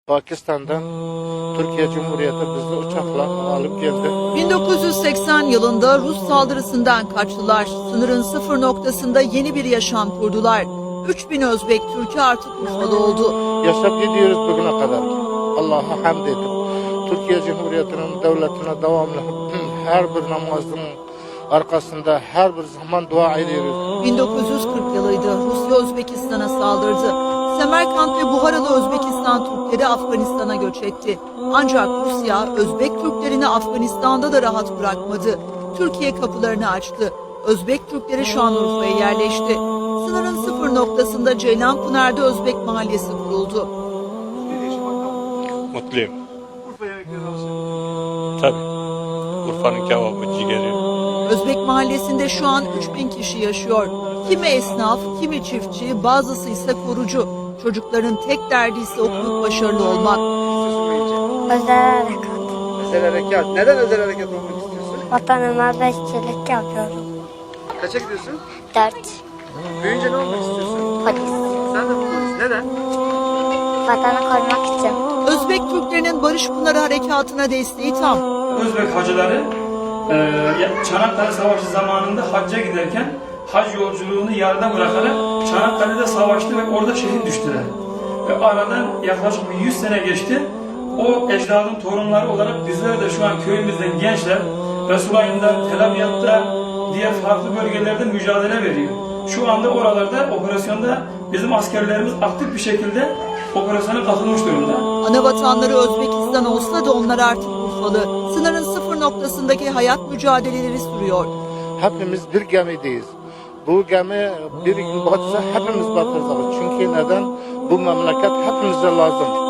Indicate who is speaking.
Speaker 1: Pakistan'dan Türkiye Cumhuriyeti bizi uçakla alıp geldi.
Speaker 2: 1980 yılında Rus saldırısından kaçtılar. Sınırın sıfır noktasında yeni bir yaşam kurdular. 3000 Özbek Türk'ü artık Urfa'da oldu.
Speaker 1: Yaşap gidiyoruz bugüne kadar. Allah'a hamd edip Türkiye Cumhuriyeti'nin devletine devamlı her bir namazın arkasında her bir zaman dua ediyoruz.
Speaker 2: 1940 yılıydı. Rusya Özbekistan'a saldırdı. Semerkant ve Buharalı Özbekistan Türkleri Afganistan'a göç etti. Ancak Rusya Özbek Türklerini Afganistan'da da rahat bırakmadı. Türkiye kapılarını açtı. Özbek Türkleri Şanlıurfa'ya yerleşti. Sınırın sıfır noktasında Ceylanpınar'da Özbek Mahallesi kuruldu.
Speaker 3: Mutluyum.
Speaker 4: Urfa yemekleri alışın.
Speaker 3: Tabii. Urfa'nın kebabı, ciğeri.
Speaker 2: Özbek Mahallesi'nde şu an 3000 kişi yaşıyor. Kimi esnaf, kimi çiftçi, bazısı ise korucu. Çocukların tek derdi ise okuyup başarılı olmak.
Speaker 5: Özel harekat.
Speaker 4: Özel harekat. Neden özel harekat olmak istiyorsun?
Speaker 5: Vatanıma bekçilik yapıyorum.
Speaker 4: Kaça gidiyorsun?
Speaker 5: 4.
Speaker 4: Büyüyünce ne olmak istiyorsun?
Speaker 5: Polis.
Speaker 4: Sen de polis. Neden?
Speaker 5: Vatanı korumak için.
Speaker 2: Özbek Türklerinin Barış Pınarı Harekatı'na desteği tam.
Speaker 6: Özbek hacıları Çanakkale Savaşı zamanında hacca giderken hac yolculuğunu yarıda bırakarak Çanakkale'de savaştı ve orada şehit düştüler. Ve aradan yaklaşık 100 sene geçti. O ecdadın torunları olarak bizler de şu an köyümüzden gençler Resulayn'da, Tel Abyad'da, diğer farklı bölgelerde mücadele veriyor. Şu anda oralarda operasyonda bizim askerlerimiz aktif bir şekilde operasyona katılmış durumda.
Speaker 2: Ana vatanları Özbekistan olsa da onlar artık Urfalı. Sınırın sıfır noktasındaki hayat mücadeleleri sürüyor.
Speaker 1: Hepimiz bir gemideyiz. Bu gemi bir gün batsa hepimiz batırız. Çünkü neden? Bu memleket hepimize lazım.